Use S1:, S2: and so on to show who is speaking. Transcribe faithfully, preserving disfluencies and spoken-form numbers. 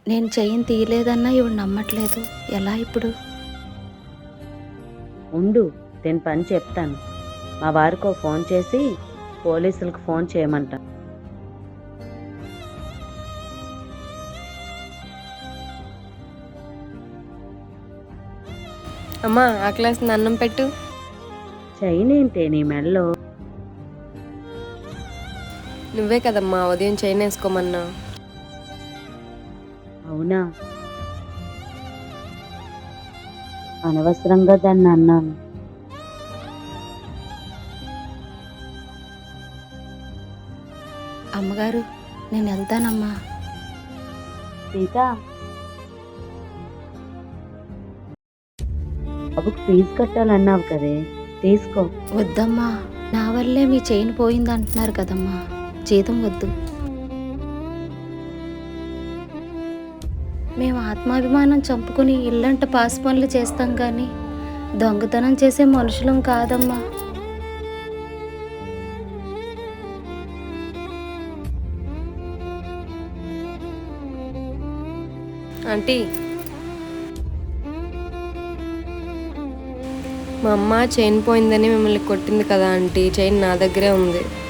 S1: నేను చెయ్యిని తీయలేదన్నా ఇవిడ నమ్మట్లేదు. ఎలా ఇప్పుడు?
S2: ఉండు, దీని పని చెప్తాను. మా వారికో ఫోన్ చేసి పోలీసులకు ఫోన్ చేయమంట.
S3: అమ్మా ఆకలేస్తుంది, అన్నం పెట్టు.
S2: చైన్ ఏంటే నీ మెడలో?
S3: నువ్వే కదమ్మా ఉదయం చైన్ వేసుకోమన్నా.
S2: అవునా, అనవసరంగా దాన్ని అన్నాను.
S1: అమ్మగారు, నేను వెళ్తానమ్మా.
S2: సీత, బాబుకు ఫీజు కట్టాలన్నావు కదే, తీసుకో.
S1: వద్దమ్మా, నా వల్లే మీ చైన్ పోయింది అంటున్నారు కదమ్మా. జీతం వద్దు. మేము ఆత్మాభిమానం చంపుకుని ఇల్లంట పాసి పనులు చేస్తాం కానీ దొంగతనం చేసే మనుషులం కాదమ్మా.
S3: ఆంటీ, మా అమ్మ చైన్ పోయిందని మిమ్మల్ని కొట్టింది కదా ఆంటీ. చైన్ నా దగ్గరే ఉంది.